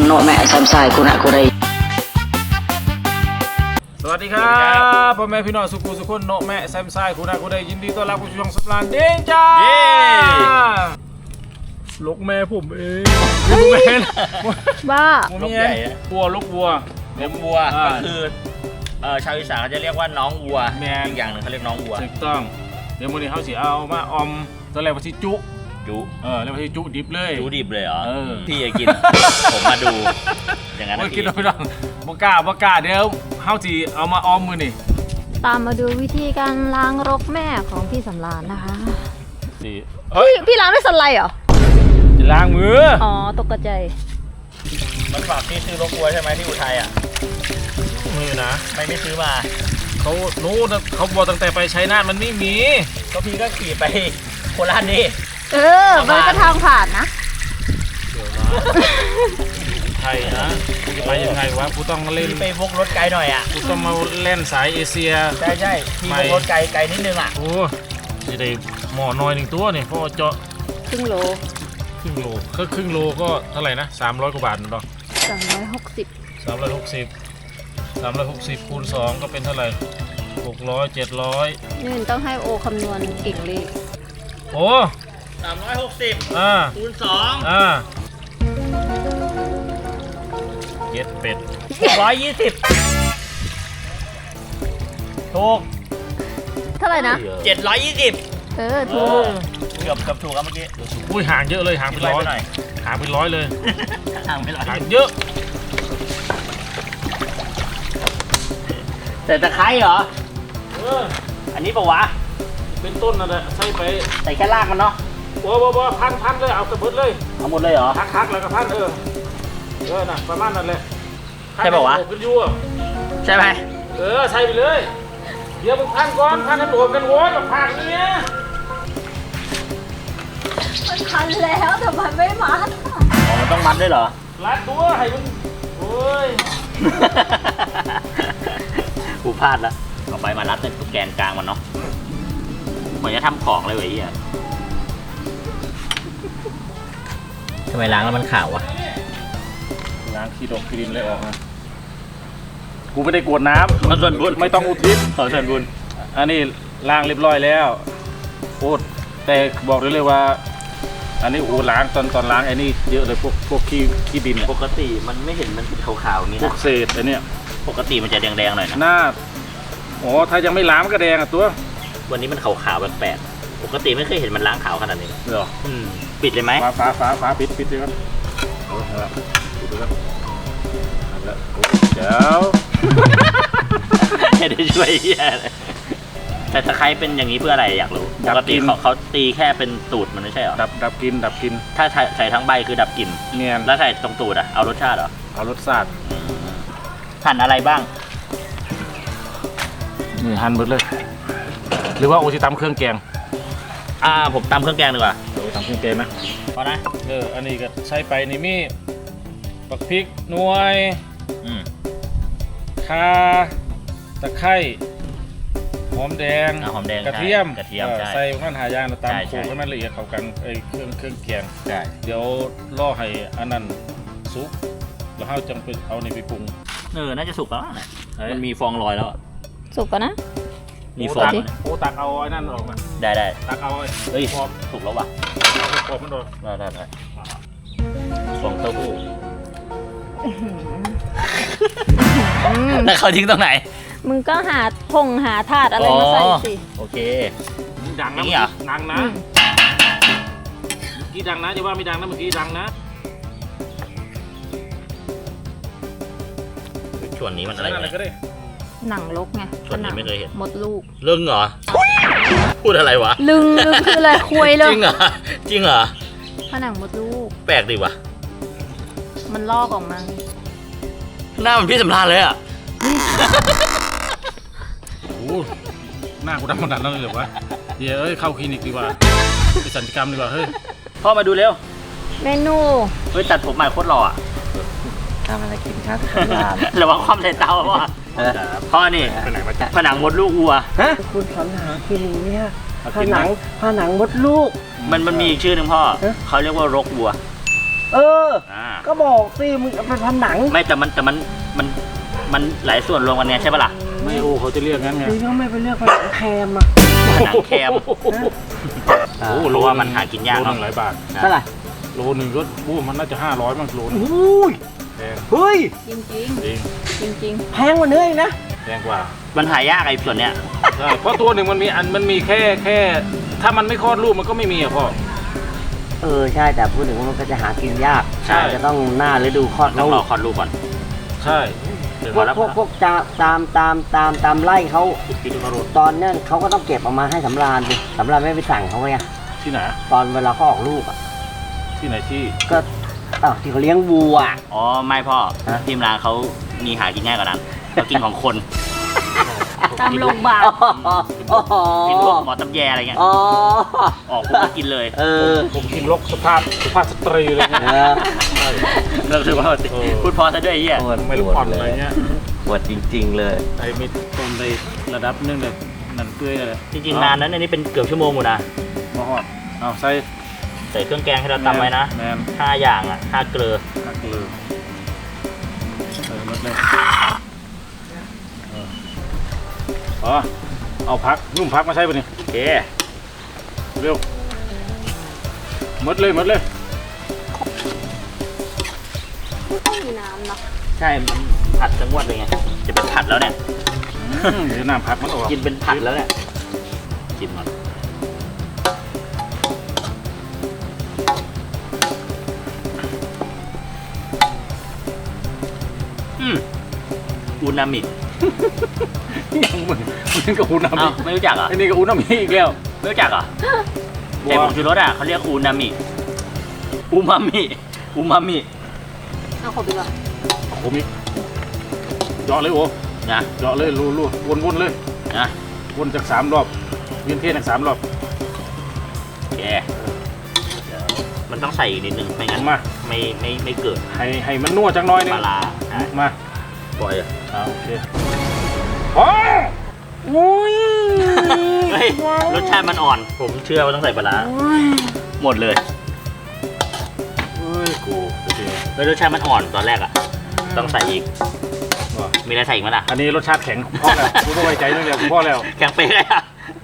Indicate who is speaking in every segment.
Speaker 1: โนแม่แซมไซคุณะคุณะ
Speaker 2: สวัสดีครับพ่อแม่พี่น้องสุขุสุขคนโนแม่แซมไซคุณะคุณะยินดีต้อนรับผู้ชมสำราญเด้งจ้าลูกแม่ผมเองลูกแม่
Speaker 3: บ้า
Speaker 2: ลูกใหญ่วัวลูกวัว
Speaker 4: เลี้ยงวัวก็คือชาวอีสานเขาจะเรียกว่าน้องวัวอีกอย่างหนึ่งเขาเรียกน้องวัว
Speaker 2: ถูกต้องเดี๋ยววันนี้เขาสิเอามาอมตอนแรกว่าที่จุแล้วว่าที่จุดิบเลย
Speaker 4: จุดิบเลยเหรอพี่จะกินผมมาดูอย่างนั้น
Speaker 2: กินไม่ต้องบ่กล้าเดี๋ยวเขาสิเอามาอมมือนี่
Speaker 3: ตามมาดูวิธีการล้างรกแม่ของพี่สำราญนะคะพี่ล้างด้วยสไลด์เหรอ
Speaker 2: จะล้างมือ
Speaker 3: อ๋อตกใจ
Speaker 4: มันฝากพี่ซื้อรกวัวใช่ไหมที่อุทัยอ่ะ
Speaker 2: มือนะ
Speaker 4: ไม่ซื้อมา
Speaker 2: เขาบอกตั้งแต่ไปชัยนาทมันไม่มี
Speaker 4: ก็พี่ก็ขี่ไปโคราชนี่
Speaker 3: มันก็ทางผ่านนะ
Speaker 2: เดี๋ยวนะไทยนะกูจะไปยังไงวะกูต้องเล่น
Speaker 4: ไปวกรถไกลหน่อยอ่ะ
Speaker 2: กูต้องมาเล่นสายเอเชีย
Speaker 4: ใช่พี่วกรถไกลนิดนึงอ่ะ
Speaker 2: โอ้จะได้หมอน้อยหนึ่งตัวนี่เพราะเจาะ
Speaker 3: ครึ่งโล
Speaker 2: ก็ครึ่งโลก็เท่าไหร่นะ300 กว่าบาทเนาะ360คูณ2ก็เป็นเท่าไหร่600 700
Speaker 3: นี่ต้องให้โอคำนวณเก่งเลย
Speaker 2: โอ้
Speaker 4: 360คูณ2
Speaker 2: เย็ดเป็ด
Speaker 4: 120ถูก
Speaker 3: เท่าไหร่นะ
Speaker 4: 720
Speaker 3: ถูก
Speaker 4: เกือบถูกครับเมื่อกี้
Speaker 2: อุ้ยห่างเยอะเลยห่างเป็น100เลยห่างเป็น100เยอะ
Speaker 4: แต่ตะไคร้เหรออันนี้ปะวะ
Speaker 2: เป็นต้นนั่นแหละใส่ไป
Speaker 4: ใส่แค่รากมันเนาะ
Speaker 2: บ่พันเลยเอากระเบิดเลย
Speaker 4: เอาหมดเลยเหรอ
Speaker 2: คักแล้วก็พันน่ะประมาณนั้นเลย
Speaker 4: ใช่ปะวะใช่ไหม
Speaker 2: ใส่ไปเลยเดี๋ยวมึงพันก่อนพันกันโดดกันโว้ยกับผักเนี้ย
Speaker 3: มันพันแล้วแต่มันไม่มัด
Speaker 4: มันต้องมัดด้วยเหรอ
Speaker 2: รัดตัวให้มึงโอ้ย
Speaker 4: กูพลาดแล้วเอาไปมารัดในแกนกลางมันเนาะเหมือนจะทำของเลยเว้ยทำไมล้างแล้วมันขาววะ
Speaker 2: ล้างขี้ดกขี้ดินเลยออกนะกูไม่ได้กวดน้ำ
Speaker 4: มันส่วนบุญ
Speaker 2: ไม่ต้องอุทิศ
Speaker 4: ขอส่วนบุญ
Speaker 2: อันนี้ล้างเรียบร้อยแล้วโอ้แต่บอกได้เลยว่าอันนี้โอ้ล้างตอนล้างไอ้นี่เยอะเลยพวกขี้ดิน
Speaker 4: ปกติมันไม่เห็นมันเป็นขาวๆอย่างนี้นะ
Speaker 2: พวกเศษไอ้นี่
Speaker 4: ปกติมันจะแดงๆหน่อยนะ
Speaker 2: หน้าอ๋อถ้ายังไม่ล้างมันก็แดงอ่ะตัว
Speaker 4: วันนี้มันขาวๆแปลกๆปกติไม่เคยเห็นมันล้างขาวขนาดนี้
Speaker 2: เหรอ
Speaker 4: ปิดเลยไหม
Speaker 2: ฟ้าปิดเลยครับปิดเลยครับเดี๋ยว
Speaker 4: ไม่ได้ช่วยแต่ตะไคร้เป็นอย่างนี้เพื่ออะไรอยากรู้ปกติเขาตีแค่เป็นตูดมันไม่ใช่เหรอ
Speaker 2: ดับกลิ่น
Speaker 4: ถ้าใส่ทั้งใบคือดับกลิ่น
Speaker 2: เนียน
Speaker 4: แล้วใส่ตรงตูดเอารสชาติเหรอ
Speaker 2: เอารสชาติ
Speaker 4: หั่นอะไรบ้าง
Speaker 2: นี่หั่นหมดเลยหรือว่าโอชิตำเครื่องแกง
Speaker 4: ผมตำเครื่องแกงดีกว่า
Speaker 2: ตำเครื่องแกงนะ
Speaker 4: พอนะ
Speaker 2: อันนี้ก็ใช้ไปนี่มีปักพริกหน่วยข่าตะไคร้หอมแดงกระเทียมใส่มันหายางตามโขลกให้มันละเอียดเข้ากันเครื่องแกงเดี๋ยวล่อให้อันนั้นสุกแล้วเราจะไปเอานี่ไปปรุง
Speaker 4: น่าจะสุกแล้วมันมีฟองลอยแล้ว
Speaker 3: สุกกันนะ
Speaker 4: มีฟอง
Speaker 2: ตักเอาไอ้นั่นออกมา
Speaker 4: ได้
Speaker 2: ตักเอา
Speaker 4: พอสุกแล้ววะ
Speaker 2: พอมันโดน
Speaker 4: ได้ฟองเต้าหู้แล้วเขาทิ้งตรงไหน
Speaker 3: มึงก็หาถาดอะไรมาใส่สิ
Speaker 4: โอเค
Speaker 2: ดังนะดังนะกี่ดังนะจะว่าไม่ดังนะเมื่อกี้ดังนะ
Speaker 4: ส่วนนี้มันอะไร
Speaker 3: หนังลกไง
Speaker 4: ส่วนนี้ไม่เคยเห็น
Speaker 3: มดลูก
Speaker 4: ลึงเหรอพูดอะไรวะ
Speaker 3: ลึงคืออะไรคุยเลย
Speaker 4: จริงเหรอ
Speaker 3: ผนังมดลูก
Speaker 4: แปลกดีวะ
Speaker 3: มันลอกออกมา
Speaker 4: หน้ามันพี่สำราญเลยอ่ะ
Speaker 2: โอ้หน้ากูดำขนาดนั้นเลยเหรอวะเดี๋ยวเข้าคลินิกดีกว่าไปศัลยกรรมดีกว่าเฮ้ย
Speaker 4: พ่อมาดูเร็ว
Speaker 3: เมนู
Speaker 4: ตัดผมใหม่โคตรหล่อ
Speaker 1: ทำอะไรกินครับ
Speaker 4: ระวังความใส่เตาพ่อนี่ผนังมดลูกวัว
Speaker 1: คุณสรรหาคิริเนี่ยผนังมดลูก
Speaker 4: มันมีอีกชื่อหนึ่งพ่อเขาเรียกว่ารกวัว
Speaker 1: ก็บอกสิมึงเอาไปทำหนัง
Speaker 4: ไม่แต่มันหลายส่วนรวมกันไงใช่ปะล่ะ
Speaker 2: ไม่โอ้เขาจะเรียกงั้นไง
Speaker 1: คือเขาไม่ไปเลือกหนังแคมอ่ะ
Speaker 4: หนังแคมโอ้โหว่ามันหากินยาก
Speaker 2: โล
Speaker 4: เนาะ
Speaker 2: นึงหลายบาท
Speaker 1: เท่าไหร่
Speaker 2: โลนึงก็มันน่าจะ500มั้งโลนึง
Speaker 1: อุ้ย
Speaker 2: แพง
Speaker 1: เฮ้ย
Speaker 3: จริง
Speaker 2: จริง
Speaker 3: จริง
Speaker 1: แพงกว่าเนื้ออีกนะ
Speaker 2: แพงกว่า
Speaker 4: มันหายากไอ้ส่วนเนี้ย
Speaker 2: ใช่เพราะตัวหนึ่งมันมีแค่ถ้ามันไม่คลอดลูกมันก็ไม่มีอ่ะพ่อ
Speaker 1: ใช่แต่พูดถึงว่ามันก็จะหากินยาก
Speaker 2: ใช่
Speaker 1: จะต้องหน้าฤดูคลอด
Speaker 4: ต้องร
Speaker 1: ลู
Speaker 4: อก คลอดลูกก่อน
Speaker 2: ใช่
Speaker 1: พวกตามไล่เขา
Speaker 2: กินคาร์โรต
Speaker 1: ตอนนั้นเขาก็ต้องเก็บออกมาให้สำราญดิสำราญไม่ไปสั่งเขาไง
Speaker 2: ที่ไหน
Speaker 1: ตอนเวลาเขาออกลูกอ่ะ
Speaker 2: ที่ไหนที่
Speaker 1: ก็ที่เขาเลี้ยงวัว
Speaker 4: อ๋อไม่พ่อ
Speaker 1: ฮะ
Speaker 4: ทีมร้านเขามีหากินง่ายกว่านั้นเขากินของคน
Speaker 3: ๆ ตามโรงพยาบาล
Speaker 4: กินพวกหมอตำแยอะไรเงี้ย
Speaker 1: อ๋อ
Speaker 4: ออกพวกก็กินเลย
Speaker 2: ผมกินลกสุภาพสตรีเลยเนี่ย
Speaker 4: เริ่มรู้สึกว่าพูดพอซะด้วยไอ้เหี้ย
Speaker 2: ไม่รู้ผ่อนอะไรเงี้ย
Speaker 1: ปวดจริงๆเลย
Speaker 2: ไอ้มีต้นในระดับนึงแบบนั่นเปื่อยเลย
Speaker 4: จริงๆนานนั้นอันนี้เป็นเกือบชั่วโมงอยู่นะ
Speaker 2: มาหอดเอาใส่
Speaker 4: ใส่เครื่องแกงให้เราตำไว้นะ
Speaker 2: แมน
Speaker 4: 5 อย่างอ่ะ5 เกลือ
Speaker 2: หักเลยหมดเลยอ๋อเอาพักนุ่มพักมาใช้ป่ะนี่
Speaker 4: โอเค
Speaker 2: เร็วหมดเลย
Speaker 3: ไม่ต้องมีน้ำนะ
Speaker 4: ใช่มันผัดทั้งวันเลยไงจะเป็นผัดแล้วเนี่ย
Speaker 2: เดี๋ยวน้ำพักมันออก
Speaker 4: กินเป็นผัดแล้วเนี่ยกินมันอูนามิ
Speaker 2: ยังมันกับอูนามิ
Speaker 4: อ้าวไม่รู้จักเหรอ
Speaker 2: ไอ้นี่กับอูนามิอีกแล้ว
Speaker 4: ไม่รู้จักเหรอไอ้ผงชูรสอ่ะเขาเรียกอูนามิอูมามิ
Speaker 3: เอาขอไปก่อน
Speaker 2: ผมอีกเจาะเลยโอ้
Speaker 4: นะ
Speaker 2: เจาะเลยรูวนเลย
Speaker 4: นะ
Speaker 2: วนจาก3 รอบเวียนเทียนจาก3 รอบ
Speaker 4: โอเคมันต้องใส่อีกนิดนึงไม่งั้น
Speaker 2: มา
Speaker 4: ไม่เกิด
Speaker 2: ให้มันนัวจังน้อยนึง
Speaker 4: ปลาร้าใช่
Speaker 2: มา
Speaker 4: ปล่อยอ่ะ
Speaker 2: โอเคอ๋ออุ้ย
Speaker 4: เฮ้ยรสชาติมันอ่อน ผมเชื่อว่าต้องใส่ปลาร้าหมดเลย
Speaker 2: เฮ้ยกูโอเค
Speaker 4: แล้วรสชาติมันอ่อนตอนแรกอ่ะ ต้องใส่อีก
Speaker 2: ว่ะ
Speaker 4: มีอะไรใส่อีกไหมล่ะ
Speaker 2: อันนี้รสชาติแข็งพ่อแล้วกูไม่ไว้ใจเรื่องเดียวพ่อแล้ว
Speaker 4: แกงเป๊ะเลยอ่ะ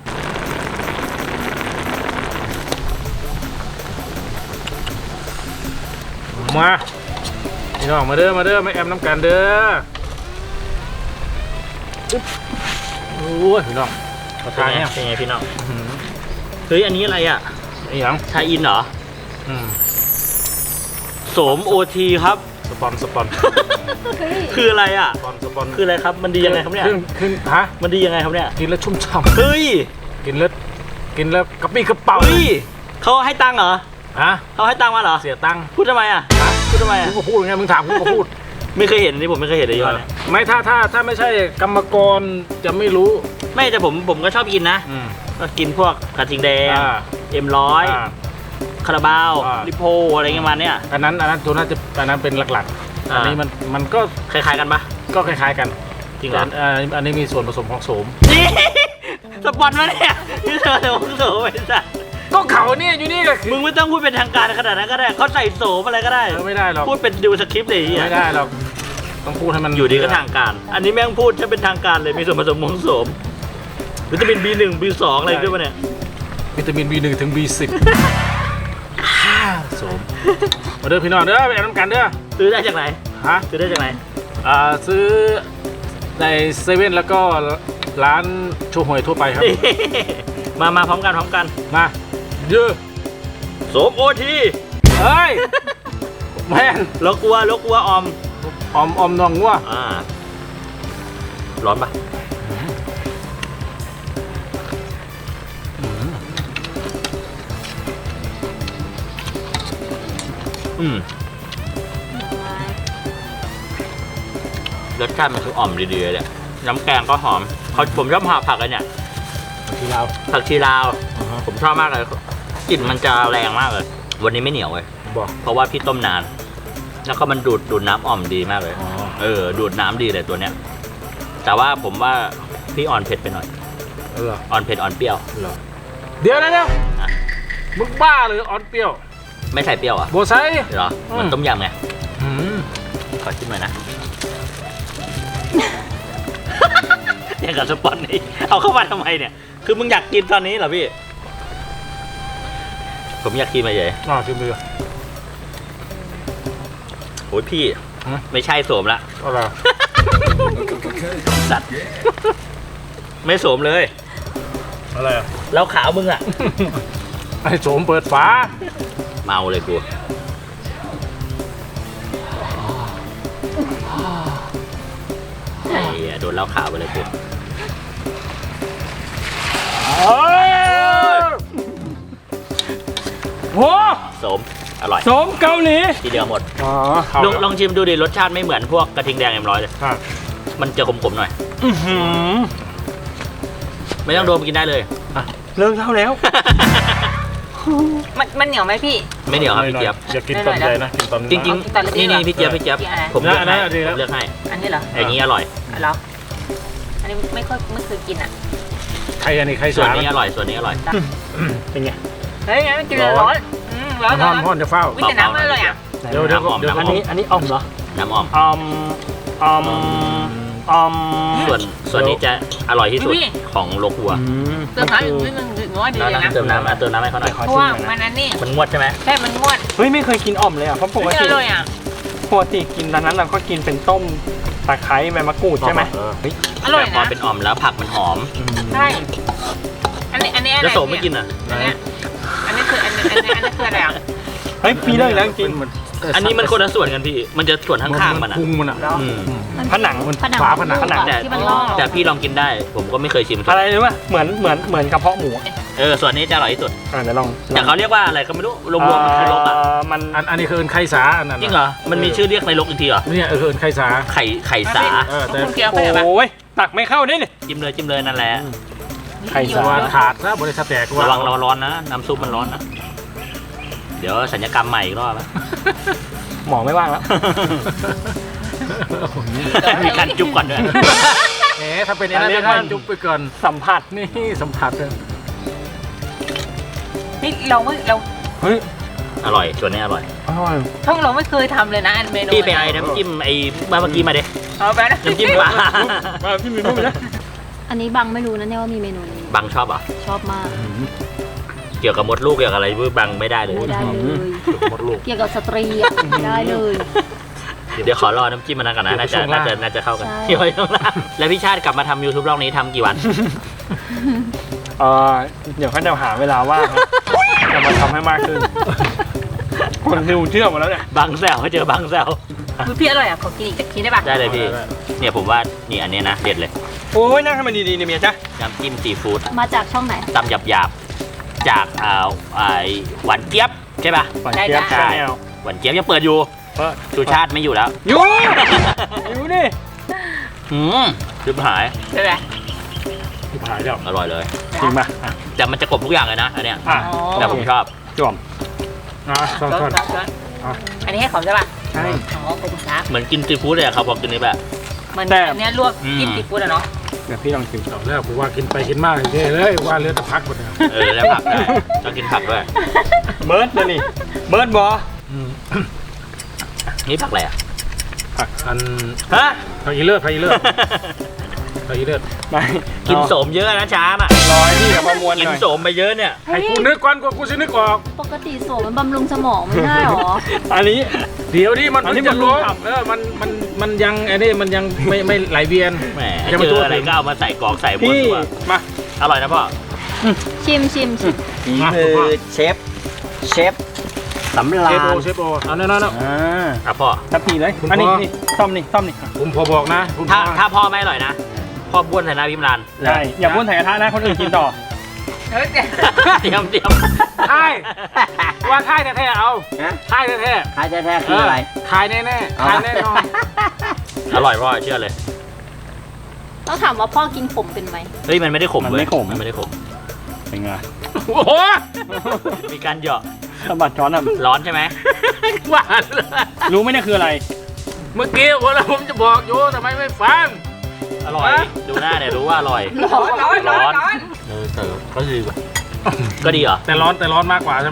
Speaker 2: มาพี่น้องมาเด้อไม่แอมน้ำกันเด้ออึ๊บโอ้ยพี่น้องขอทานเนี่ย
Speaker 4: เป็นไงพี่น้องเฮ้ยอันนี้อะไรอ่ะ
Speaker 2: ไอ้หยัง
Speaker 4: ชาอินเหรอ
Speaker 2: อืม
Speaker 4: โสมโอทีครับ
Speaker 2: สปอน
Speaker 4: คืออะไรอ่ะ
Speaker 2: สปอน
Speaker 4: คืออะไรครับ มันดียังไงครับเนี่ย
Speaker 2: ขึ้นฮะ
Speaker 4: มันดียังไงครับเนี่ย
Speaker 2: กินแล้วชุ่มฉ่
Speaker 4: เฮ้ย
Speaker 2: ำกินแล้วกระปี้กระเป๋า
Speaker 4: เฮ้ยเขาให้ตังค์เหรอ
Speaker 2: ฮะ
Speaker 4: เขาให้ตังค์มาเหรอ
Speaker 2: เสียตังค์
Speaker 4: พูดทำไมอ่ะพูดทำไมอ่ะ
Speaker 2: กูก็พูดไงมึงถามกูก็พูด
Speaker 4: ไม่เคยเห็นอันนี้ผมไม่เคยเห็นเลยย้อนเนี่ย
Speaker 2: ไม่ถ้าไม่ใช่กรรมกรจะไม่รู้
Speaker 4: ไม่แต่ผมก็ชอบกินนะ
Speaker 2: อืม
Speaker 4: ก็กินพวกกระทิงแดง
Speaker 2: อ่า
Speaker 4: M100
Speaker 2: อ่า
Speaker 4: คาราบาว
Speaker 2: อ่า
Speaker 4: ลิโพอะไรเงี้ยมาเนี่ย
Speaker 2: อันนั้นตัวน่าจะอันนั้นเป็นหลักๆ
Speaker 4: อ่า
Speaker 2: อันนี้มันก็
Speaker 4: คล้ายๆกันปะ
Speaker 2: ก็คล้ายๆกัน
Speaker 4: จริงเหรอ
Speaker 2: แต่อันนี้มีส่วนผสมของโสม
Speaker 4: นี่สปอนมาเนี่ยนี่เธอเดี๋ยวมึงโสไปจ้ะ
Speaker 2: ก็เขาเนี่ยอยู่นี่ก็คือ
Speaker 4: มึงไม่ต้องพูดเป็นทางการขนาดนั้นก็ได้เขาใส่โสมอะไรก็ได้
Speaker 2: ไม่ได้หรอก
Speaker 4: พูดเป็นดูสคริปต์เลยไอ้เหี้ย
Speaker 2: ไม่ได้หรอกต้องพูดให้มัน
Speaker 4: อยู่ดีก็ทางการ อันนี้แม่งพูดจะเป็นทางการเลยมีส่วนผสมของโสมวิตามิน B1 B2 อะไรด้วยปะเนี่ย
Speaker 2: วิตามิน B1 ถึง B10 โสมมาเด้อพี่น้องเด้อไปแอมน้ำกันเด้อ
Speaker 4: ซื้อได้จากไหน
Speaker 2: ฮะ
Speaker 4: ซื้อได้จากไหน
Speaker 2: ซื้อในเซเว่นแล้วก็ร้านโชห่วยทั่วไปครับ
Speaker 4: มาพร้อมกัน
Speaker 2: มาเยอะ
Speaker 4: โสมโอที
Speaker 2: เฮ้ยแม่น
Speaker 4: ลกวัวออม
Speaker 2: อมนองงัว
Speaker 4: ร้อนปะรสชาติมันคืออ่อมดีๆเลยน้ำแกงก็หอมผมชอบผักเลยเนี่ย
Speaker 2: ที่เรา
Speaker 4: ผักชีลาว ผมชอบมากเลยกลิ่นมันจะแรงมากเลย วันนี้ไม่เหนียวเลย
Speaker 2: บอก
Speaker 4: เพราะว่าพี่ต้มนาน แล้วก็มันดูดน้ำอ่อมดีมากเลย
Speaker 2: อ๋อ
Speaker 4: ดูดน้ำดีเลยตัวเนี้ย แต่ว่าผมว่าพี่อ่อนเผ็ดไปหน่อย
Speaker 2: เหรอ
Speaker 4: อ่อนเผ็ดอ่อนเปรี้ยว
Speaker 2: เหรอเดี๋ยวนะ
Speaker 4: อ่ะ
Speaker 2: มึงบ้าเลยออนเปรี้ยว
Speaker 4: ไม่ใส่เปรี้ยวอ่ะ
Speaker 2: โบไซ
Speaker 4: เหรอมันต้มยำไงขอชิมหน่อยนะอย่างกับสปอนนี่เอาเข้ามาทำไมเนี่ยคือมึงอยากกินตอนนี้เหรอพี่ผมอยากกินมาเฉย
Speaker 2: ชิมดู
Speaker 4: โอ้ยพี่ไม่ใช่โสมละ
Speaker 2: อะไร
Speaker 4: สัตว์ไม่โสมเลย
Speaker 2: อะไรอ่ะ
Speaker 4: แล้วขาวมึงอ่ะ
Speaker 2: ไอ้โสมเปิดฝา
Speaker 4: เมาเลยกูไอ้เหี้ยโดนเหล้าขาวไปเลยกู
Speaker 2: โอ้
Speaker 4: โสมอร่อย
Speaker 2: โสมเกาหลี
Speaker 4: ทีเดียวหมด
Speaker 2: อ๋อ
Speaker 4: ลองชิมดูดิรสชาติไม่เหมือนพวกกระทิงแดงM100เลยมันจะขมๆหน่อยไม่ต้องโดมกินได้เลย
Speaker 1: เลิกเท่าแล้ว
Speaker 3: มันเหนียวไหมพี่
Speaker 4: ไม่เหนียวครับพี่เจี๊ยบ
Speaker 2: อยากกินตอนใหญ่นะกินตอน
Speaker 4: จริงๆนี่พี่เจี๊ยบผมเลือกให้ผมเลือกให้
Speaker 3: อันนี้เหรอ
Speaker 4: อย่างนี้อร่อย
Speaker 3: เหรออันนี้ไม่เคยกินอ่ะ
Speaker 2: ใครอันนี้ใคร
Speaker 4: ส่วน
Speaker 2: สา
Speaker 4: นี้อร่อยส่วนนี้อร่อย
Speaker 2: เป็นไง
Speaker 3: เฮ้ยงั้นกินร้อนร้อน
Speaker 2: ห้อนจะเฝ้า
Speaker 3: วิแต่น้ำมันเลยอ่ะ
Speaker 2: เดี๋ยวอันนี้อ่อมเหรอ
Speaker 4: น้ำอ่อม
Speaker 2: อ่อม
Speaker 4: ส่วนนี้จะอร่อยที่สุดของโลกัว
Speaker 3: เติมน้ำอีกนิดนึงถือว่าดีเลยนะ
Speaker 4: เติมน้ำให้เขาหน่อย
Speaker 3: เพราะว่ามันนั่นนี่
Speaker 4: มันงวดใช่ไหม
Speaker 3: ใช่มันงวด
Speaker 1: เฮ้ยไม่เคยกินอ่อมเลยอ่ะเพราะปก
Speaker 3: ไม่
Speaker 1: ติ
Speaker 3: เลยอ่ะ
Speaker 1: กินตอนนั้นเราก็กินเป็นต้มตะไคร้ใบมะกรูดใช่ไหม
Speaker 3: อร่อย
Speaker 4: แต่พอ
Speaker 3: นะ
Speaker 4: เป็นอ่อมแล้วผักมันหอม
Speaker 3: ใช่อันนี้อะไร
Speaker 4: แล้วโสมไม่กินอ่ะ
Speaker 3: อันนี้คืออันนี้คืออะไรอ่ะ
Speaker 1: เฮ้ยมีเรื่องแล้วจริง
Speaker 4: อันนี้มันคนละส่วนกันพี่มันจะส่วนข้างๆมันอ่ะ
Speaker 2: พุงมันอ่ะ
Speaker 1: ผนัง
Speaker 2: ฝาผนัง
Speaker 3: ที่มันลอก
Speaker 4: แต่พี่ลองกินได้ ผมก็ไม่เคยชิม
Speaker 1: อะไรรู้ป่ะเหมือนกระเพาะหมู
Speaker 4: ส่วนนี้จะอร่อยที่สุด
Speaker 1: เดี๋ยวลอง
Speaker 4: แต่เขาเรียกว่าอะไรก็ไม่รู้รวมๆมันคือลกอ่ะ
Speaker 1: มัน
Speaker 2: อันนี้คือเอินไข่สาอันนั้น
Speaker 4: จริงเหรอมันมีชื่อเรียกในลกอีกทีเหรอ
Speaker 2: เนี่ยเอินไข่สา
Speaker 4: ไข่สา
Speaker 2: แต่
Speaker 3: คุณเกียวไปไหนปะ
Speaker 1: โอ้ยตักไม่เข้าได้เลย
Speaker 4: จิ้มเลยนั่นแหละ
Speaker 1: ไข่สา
Speaker 2: ว่าขาดนะบริษัทแตก
Speaker 4: ระวังร้อนนะน้ำซุปมันร้อนนะเดี๋ยวสัญญกรรมใหม่อีกรอบนะ
Speaker 1: หมอไม่ว่างแล้ว
Speaker 4: มีการจุ๊บก่อนด้วย
Speaker 2: ถ้าเป็นอันนี้ก็จุ๊บไปก่อน
Speaker 1: สัมผัส
Speaker 2: นี่สัมผัสเลย
Speaker 3: นี่เรา
Speaker 1: เฮ้ย
Speaker 4: อร่อยส่วนนี้อร่อย
Speaker 1: อร่อย
Speaker 3: ช่องเราไม่เคยทำเลยนะอันเมนู
Speaker 4: พี่ไปไอ้น้ำจิ้มไอ้เมื่อกี้มาเด้
Speaker 3: เอาไปนะ
Speaker 4: น้ำจิ้มปลา
Speaker 1: มาพี่มีรูปไหม
Speaker 3: อันนี้บังไม่รู้นะเนี่ยว่ามีเมนูนี้
Speaker 4: บังชอบเหรอ
Speaker 3: ชอบมาก
Speaker 4: เกี่ยวกับมดลูกเกี่ยวกับอะไรบังไม่ได้เลย
Speaker 3: ไม่ได้เลย
Speaker 2: หมดลูก
Speaker 3: เกี่ยวกับสตรีอะไม่ได้เลย
Speaker 4: เดี๋ยวขอรอน้ำจิ้มมันนั้นก่อนนะน่าจะเข้ากัน
Speaker 3: ใช่
Speaker 4: เดี๋ยวไว้ข้างล่างแล้วพี่ชาติกลับมาทำ YouTube รอบนี้ทำกี่วัน
Speaker 1: เดี๋ยวเขาจะหาเวลาว่างจะมาทำให้มากขึ้น คนดูเชื่อหมดแล้วเนี่ย
Speaker 4: บังแซวเจอบังแซว
Speaker 3: พี่อร่อยอ่ะขอกินอีกทีได้ปะ
Speaker 4: ได้เลยพี่เนี่ยผมว่านี่อันนี้นะเด็ดเลย
Speaker 1: โอ้ยนั่งให้มันดีๆเนี่ยเมียจ๊ะ
Speaker 4: น้ำจิ้มซีฟู้ด
Speaker 3: มาจากช่องไหน
Speaker 4: ตำหยาบๆจากหวานเจี๊ยบใช่ป่ะ
Speaker 1: หวานเจี๊ยบ
Speaker 4: ใช่
Speaker 1: แนว
Speaker 4: หวานเจี๊ยบยังเปิดอยู่สุชาติไม่อยู่แล้ว
Speaker 1: อยู่ดิ
Speaker 4: ลืมหาย
Speaker 3: ใช่ไหม
Speaker 2: ที่ผายแล้ว
Speaker 4: อร่อยเลย
Speaker 1: จริงป่ะ
Speaker 4: แต่มันจะกลบทุกอย่างเลยนะอันเนี้ย
Speaker 1: อ่ะ
Speaker 4: แต่ผมชอบ
Speaker 1: จ่วม
Speaker 2: ซ่อน
Speaker 3: อันนี้ให้เขาใช่ปะ
Speaker 1: ใช่
Speaker 3: อ๋อขอบคุณครับ
Speaker 4: เหมือนกินซีฟู้ดเลยอะเขาบอกกินนี้แบบ
Speaker 3: เหมือนอันนี้ลวกจิ้มซีฟู้ดอะเนาะ
Speaker 1: เดี๋ยวพี่ลองชิม
Speaker 2: ๆแล้วผมว่ากินไปกินมากเลยว่าเลือดตะพักหมดเลย
Speaker 4: แล้วผักได้ต้องกินผักด้วย
Speaker 1: เบิร์ดนะนี่เบิร์ดบอ
Speaker 4: นี่ผักอะไรอ่ะ
Speaker 2: ผักอัน
Speaker 1: ฮะ
Speaker 2: ผักอีเลือดผักอีเลือดผักอีเลือด
Speaker 1: ไม่
Speaker 4: กินโสมเยอะนะช้าอ่ะ
Speaker 1: รอยพี่กับประมวล
Speaker 4: กิ
Speaker 1: ห
Speaker 4: น
Speaker 1: น่อย
Speaker 4: โสมไปเยอะเนี่ย
Speaker 2: ให้กูนึกก่อนกูจะนึกออก
Speaker 3: ปกติโสมมันบำรุงสมองไม่ได้หรอ
Speaker 1: อันนี้
Speaker 2: เดี๋ยวนี้มัน
Speaker 1: อันนี้
Speaker 2: จะ
Speaker 1: มัน
Speaker 2: รู้
Speaker 1: ขับ
Speaker 2: มันยังไอ้นี่มันยังไม่ไหลเวียน
Speaker 4: แหม
Speaker 2: จะมา
Speaker 4: เจ
Speaker 2: ทั่
Speaker 4: อ
Speaker 2: ว
Speaker 4: อะไร
Speaker 2: ถึง
Speaker 4: ก็เอามาใส่กรอกใส่บน
Speaker 1: พี่
Speaker 4: ตัว
Speaker 1: มา
Speaker 4: อร่อยนะพ่อ
Speaker 3: ชิม
Speaker 1: ฝีมือเชฟสำราญ
Speaker 2: เชฟโอเอานั่น
Speaker 4: อ่ะพ่อ
Speaker 1: ทับพีเลย
Speaker 2: คุณ
Speaker 1: อันนี้
Speaker 2: พ่อ
Speaker 1: นี่ต้อมนี่ต้อมนี่
Speaker 2: ผมพอบอกนะคุณ
Speaker 4: ถ้าพ่อไม่อร่อยนะพ่อบ้วนใส่หน้าพิมราน
Speaker 1: ใช่อย่าบ้วนใส่กระทะนะคนอื่นกินต่อ
Speaker 3: เฮ้ย
Speaker 4: เตรียม
Speaker 2: ท้ายว่าท้ายแท้ๆเอา
Speaker 1: ฮะ
Speaker 2: ท้ายแท้
Speaker 1: ท้ายแท้ๆคืออะไร
Speaker 2: ขายแน่ๆขายแน่นอน
Speaker 4: อร่อยพ่อเชื่อเลย
Speaker 3: ต้องถามว่าพ่อกินขมเป็นไหม
Speaker 4: เฮ้ยมันไม่ได้ขม
Speaker 1: มัน
Speaker 4: เว้ย
Speaker 1: ไม่ขม
Speaker 4: มันไม่ได้ขม
Speaker 1: เป็นไง
Speaker 2: โอ้โห
Speaker 4: มีการเหยาะ
Speaker 1: สะบัดช้อนอ่ะ
Speaker 4: ร้อนใช่ไหม
Speaker 2: หวานเลย
Speaker 1: รู้ไหมเนี่ยคืออะไร
Speaker 2: เมื่อกี้วันละผมจะบอกอยู่ทำไมไม่ฟัง
Speaker 4: อร่อยดูหน้าเนี่ยรู้ว่าอร่อย
Speaker 3: ร้อน
Speaker 4: ร้อนแต่ก็ดีว่ะก็ดีเหรอ
Speaker 2: แต่ร้อนมากกว่าใช่ไหม
Speaker 1: ค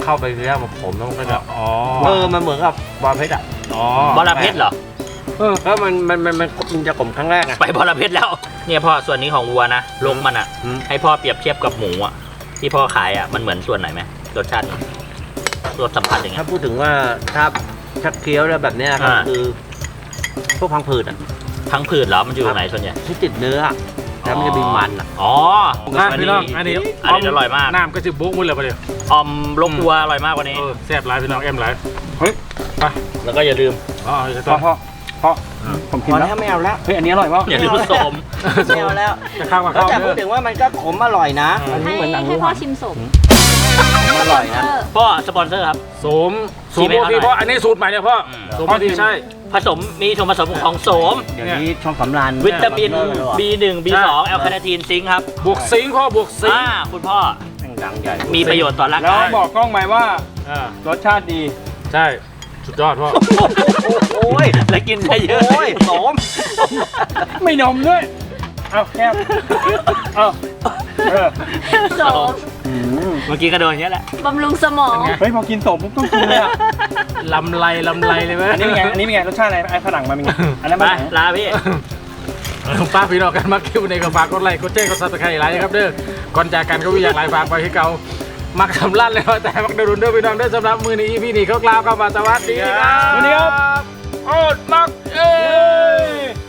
Speaker 5: เข้าไปเนื้อมันขมแล้วมันก็จะ
Speaker 1: อ๋อ
Speaker 5: มันเหมือนกับบอระเพ็ดอ่ะ
Speaker 1: อ๋อ
Speaker 4: บอระเพ็ดเหรอ
Speaker 5: แล้วมันจะขมครั้งแรกไง
Speaker 4: ไปบอระเพ็ดแล้ว เนี่ยพ่อส่วนนี้ของวัวนะลงมันอ่ะ
Speaker 5: อืม
Speaker 4: ให้พ่อเปรียบเทียบกับหมูอ่ะที่พ่อขายอ่ะมันเหมือนส่วนไหนไหมรสชาติมันรสสัมผัสอย่างเงี้
Speaker 5: ถ้าย พูดถึงว่าถ้าเคี้ยวแล้วแบบเนี้ยครับ
Speaker 4: อ่า
Speaker 5: คือพวกพังผืดอ่ะ
Speaker 4: พังผืดเหรอมันอยู่ตรงไหนส่วนใหญ่
Speaker 5: ที่ติดเนื้ออะแล้วมันจะมีมันอ่ะ
Speaker 4: อ๋อ
Speaker 1: พี่น้องอันนี้
Speaker 4: อันนี้อร่อยมาก
Speaker 1: น้ำก็จะบุ๊กมุ้นเลยประเดี๋ยว
Speaker 4: ออมลกวัวอร่อยมากกว่านี้
Speaker 1: แซ่บหลายพี่น้องเอ็มหลายเฮ้ยไป
Speaker 4: แล้วก็อย่าลืม
Speaker 1: อ๋อจะต้องพ่อผมกิน
Speaker 5: พอ
Speaker 1: แล้
Speaker 5: แล้ว วไม่เอาแล้ว
Speaker 1: เฮ้ยอันนี้อร่อยป่ะ
Speaker 4: อย่าลืมสม
Speaker 5: ไม่เอาแล้ว
Speaker 1: จะข้าวกับ
Speaker 5: แล้ว
Speaker 1: ข้าว
Speaker 5: แต่
Speaker 1: เด้
Speaker 5: พู
Speaker 1: อ
Speaker 5: ดถึงว่ามันก็ขมอร่อยนะ
Speaker 1: อันนี้เหมือนหนัง
Speaker 3: ให้พ่อชิมสม
Speaker 5: อร่อยนะ
Speaker 4: พ่อสปอนเซอร์ครับ
Speaker 1: โสมโปรตีนพ่ออันนี้สูตรใหม่เนี่ยพ่อ
Speaker 4: อืม
Speaker 1: โสมโปรตีนใช่
Speaker 4: ผสมมีส่วนผสมของโสม
Speaker 5: เดี๋ยวนี้ช่องสำราญ
Speaker 4: วิตามิน
Speaker 5: บี
Speaker 4: B1 B2 แอลคาเนทีนซิงค์ครับ
Speaker 1: บวกซิงค์พ่อบวกซิงค์
Speaker 4: คุณพ่อ
Speaker 5: ดังใหญ่
Speaker 4: มีประโยชน์ต่อร่าง
Speaker 1: แล้ว
Speaker 4: กาย
Speaker 1: บอกกล้องไหมว่า
Speaker 2: อ่าร
Speaker 1: สชาติดี
Speaker 2: ใช่สุดยอดพ่อ
Speaker 5: โอ้ย
Speaker 4: และกินได้เยอะ
Speaker 5: โอ้ยโสม
Speaker 1: ไม่นมด้วยเอาแคบเอาเออ
Speaker 3: สม
Speaker 4: เมื่อกี้ก็โดนอย่างนี้ยแหละ
Speaker 3: บำรุงสมอง
Speaker 1: เฮ้ยพอกินสมปุ๊บต้องกินเลยอ่ะ
Speaker 2: ลำไรเลยไหม
Speaker 1: อันนี้เป็นไงอันนี้เป็นไงรสชาติอะไรไอ้ฝรั่งมาเป็นไงอันนั้น
Speaker 4: ไป
Speaker 1: มัน
Speaker 4: ลาพี่
Speaker 2: ป้าพี่น้องกันมาคิวในก็ฝากกดไลค์กดแชร์กดซับสไครต์ไลค์ครับเด้อก่อนจากกันก็มีอย่างไรฝากไปให้เก่ามักสำลันเลยว่าแต่มักเดรุนเด้อพี่น้องเด้อสำหรับมือนี้พี่นี่เขากล่าวคำว่าสวัสดีครับ
Speaker 1: วันนี้ครับโอ้มักเอ้ย